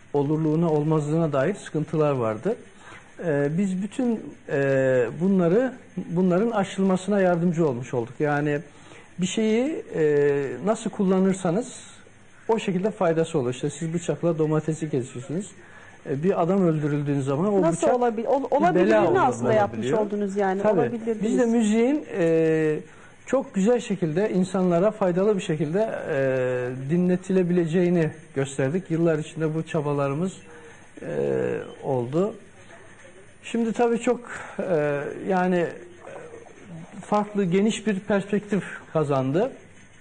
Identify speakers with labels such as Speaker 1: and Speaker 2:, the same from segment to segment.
Speaker 1: olurluğuna olmazlığına dair sıkıntılar vardı. Biz bütün bunların aşılmasına yardımcı olmuş olduk. Yani bir şeyi nasıl kullanırsanız o şekilde faydası olur. İşte siz bıçakla domatesi kesiyorsunuz. Bir adam öldürüldüğün zaman o
Speaker 2: nasıl
Speaker 1: bıçak
Speaker 2: olabilirini aslında yapmış oldunuz yani.
Speaker 1: Tabii. Biz de müziğin çok güzel şekilde insanlara faydalı bir şekilde dinletilebileceğini gösterdik. Yıllar içinde bu çabalarımız oldu. Şimdi tabii çok yani farklı, geniş bir perspektif kazandı.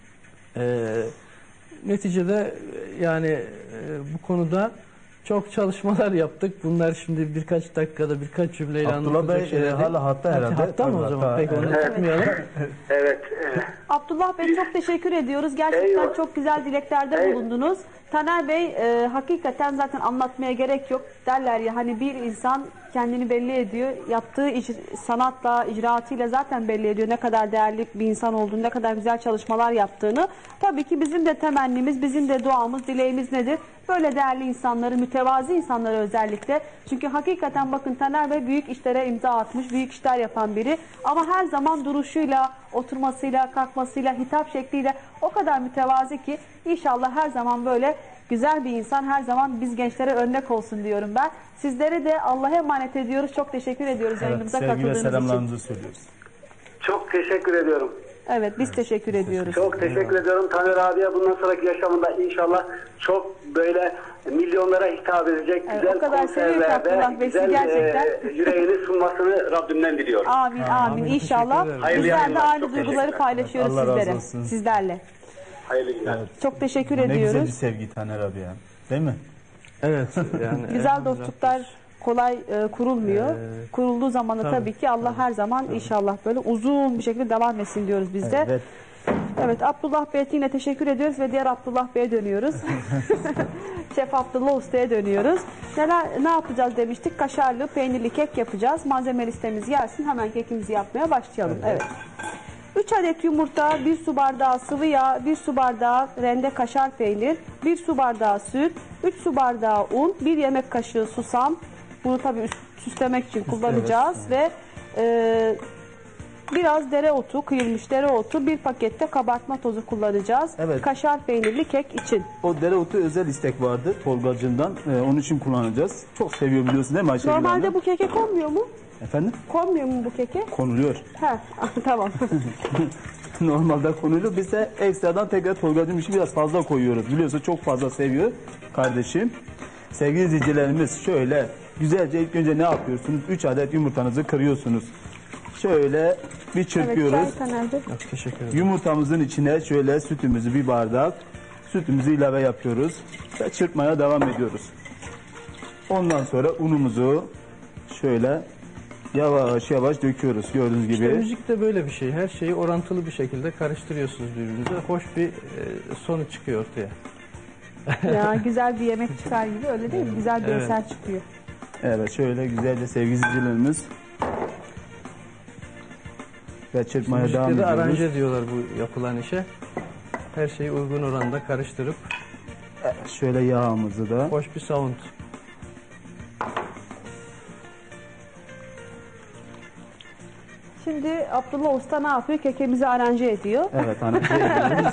Speaker 1: Neticede yani bu konuda çok çalışmalar yaptık. Bunlar şimdi birkaç dakikada birkaç cümleyle
Speaker 3: anlatılacak şeyler. Abdullah Bey hala hatta herhalde.
Speaker 1: Hatta mı o zaman? Peki onu tutmayalım.
Speaker 4: Evet.
Speaker 2: Abdullah Bey çok teşekkür ediyoruz. Gerçekten çok güzel dileklerde bulundunuz. Taner Bey hakikaten zaten anlatmaya gerek yok. Derler ya hani bir insan kendini belli ediyor. Yaptığı sanatla, icraatıyla zaten belli ediyor ne kadar değerli bir insan olduğunu, ne kadar güzel çalışmalar yaptığını. Tabii ki bizim de temennimiz, bizim de duamız, dileğimiz nedir? Böyle değerli insanları, mütevazi insanları özellikle. Çünkü hakikaten bakın Taner Bey büyük işlere imza atmış, büyük işler yapan biri. Ama her zaman duruşuyla, oturmasıyla, kalkmasıyla, hitap şekliyle o kadar mütevazi ki inşallah her zaman böyle güzel bir insan, her zaman biz gençlere örnek olsun diyorum ben. Sizlere de Allah'a emanet ediyoruz. Çok teşekkür ediyoruz yayınımıza katıldığınız için.
Speaker 3: Selamlarımızı söylüyoruz.
Speaker 4: Çok teşekkür ediyorum.
Speaker 2: Evet, biz teşekkür ediyoruz.
Speaker 4: Çok teşekkür ediyorum Taner abiye. Bundan sonraki yaşamında inşallah çok böyle milyonlara hitap edecek güzel konserlerde güzel yüreğini sunmasını Rabbimden diliyorum.
Speaker 2: Amin, amin. İnşallah. Bizler de aynı duyguları paylaşıyoruz sizlerle.
Speaker 4: Hayırlı günler.
Speaker 3: Evet.
Speaker 2: Çok teşekkür
Speaker 3: ne
Speaker 2: ediyoruz.
Speaker 3: Ne güzel bir sevgi Taner abi ya. Değil mi?
Speaker 1: Evet. Yani
Speaker 2: güzel dostluklar kolay kurulmuyor. Kurulduğu zaman da tabii ki Allah her zaman inşallah böyle uzun bir şekilde devam etsin diyoruz biz de.
Speaker 3: Evet.
Speaker 2: Evet, Abdullah Bey'e yine teşekkür ediyoruz ve diğer Abdullah Bey'e dönüyoruz. Şef Abdullah Usta'ya dönüyoruz. Ne yapacağız demiştik? Kaşarlı, peynirli kek yapacağız. Malzeme listemiz gelsin. Hemen kekimizi yapmaya başlayalım. Evet. 3 adet yumurta, 1 su bardağı sıvı yağ, 1 su bardağı rende kaşar peynir, 1 su bardağı süt, 3 su bardağı un, 1 yemek kaşığı susam. Bunu tabii süslemek için kullanacağız ve biraz dereotu, kıyılmış dereotu, 1 pakette kabartma tozu kullanacağız.
Speaker 3: Evet.
Speaker 2: Kaşar peynirli kek için.
Speaker 3: O dereotu özel istek vardı Tolgacığımdan. Onun için kullanacağız. Çok seviyor biliyorsun değil mi Ayşegül Hanım?
Speaker 2: Normalde bu keke konmuyor mu?
Speaker 3: Efendim?
Speaker 2: Konmuyor mu bu keke?
Speaker 3: Konuluyor.
Speaker 2: He, tamam.
Speaker 3: Normalde konuluyor. Biz de ekstradan tekrar Tolgacığım için biraz fazla koyuyoruz. Biliyorsun çok fazla seviyor kardeşim. Sevgili izleyicilerimiz şöyle güzelce ilk önce ne yapıyorsunuz? 3 adet yumurtanızı kırıyorsunuz. Şöyle bir çırpıyoruz.
Speaker 2: Evet,
Speaker 1: teşekkür ederim.
Speaker 3: Yumurtamızın içine şöyle sütümüzü bir bardak, sütümüzü ilave yapıyoruz ve çırpmaya devam ediyoruz. Ondan sonra unumuzu şöyle yavaş yavaş döküyoruz gördüğünüz gibi.
Speaker 1: İşte müzik de böyle bir şey. Her şeyi orantılı bir şekilde karıştırıyorsunuz birbirinize. Hoş bir sonuç çıkıyor ortaya.
Speaker 2: Ya güzel bir yemek çıkar gibi öyle değil mi? Güzel bir eser çıkıyor.
Speaker 3: Evet şöyle güzelce sevgili izleyicilerimiz ve çırpmaya devam ediyoruz.
Speaker 1: Aranje diyorlar bu yapılan işe. Her şeyi uygun oranda karıştırıp
Speaker 3: şöyle yağımızı da.
Speaker 1: Hoş bir sound.
Speaker 2: Şimdi Abdullah Usta ne yapıyor? Kekemizi aranje ediyor.
Speaker 3: Evet aranje ediyoruz.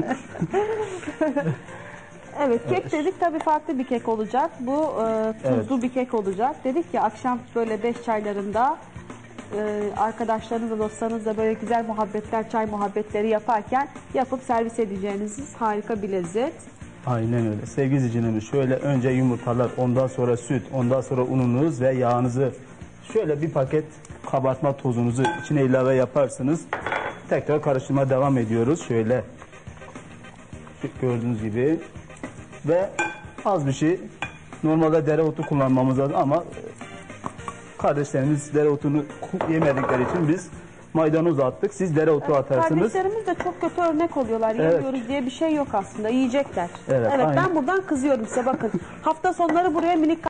Speaker 2: Evet kek dedik tabii farklı bir kek olacak. Bu tuzlu bir kek olacak. Dedik ki akşam böyle 5 çaylarında arkadaşlarınızla dostlarınızla böyle güzel muhabbetler, çay muhabbetleri yaparken yapıp servis edeceğiniz harika bir lezzet.
Speaker 3: Aynen öyle. Sevgili izleyicilerimiz şöyle önce yumurtalar, ondan sonra süt, ondan sonra ununuz ve yağınızı şöyle bir paket kabartma tozunuzu içine ilave yaparsınız. Tekrar karıştırmaya devam ediyoruz. Şöyle gördüğünüz gibi ve az bir şey normalde dereotu kullanmamız lazım ama kardeşlerimiz dereotunu yemedikleri için biz maydanoz attık. Siz dereotu atarsınız.
Speaker 2: Kardeşlerimiz de çok kötü örnek oluyorlar. Yemiyoruz diye bir şey yok aslında. Yiyecekler.
Speaker 3: Evet
Speaker 2: ben buradan kızıyorum size bakın. Hafta sonları buraya minik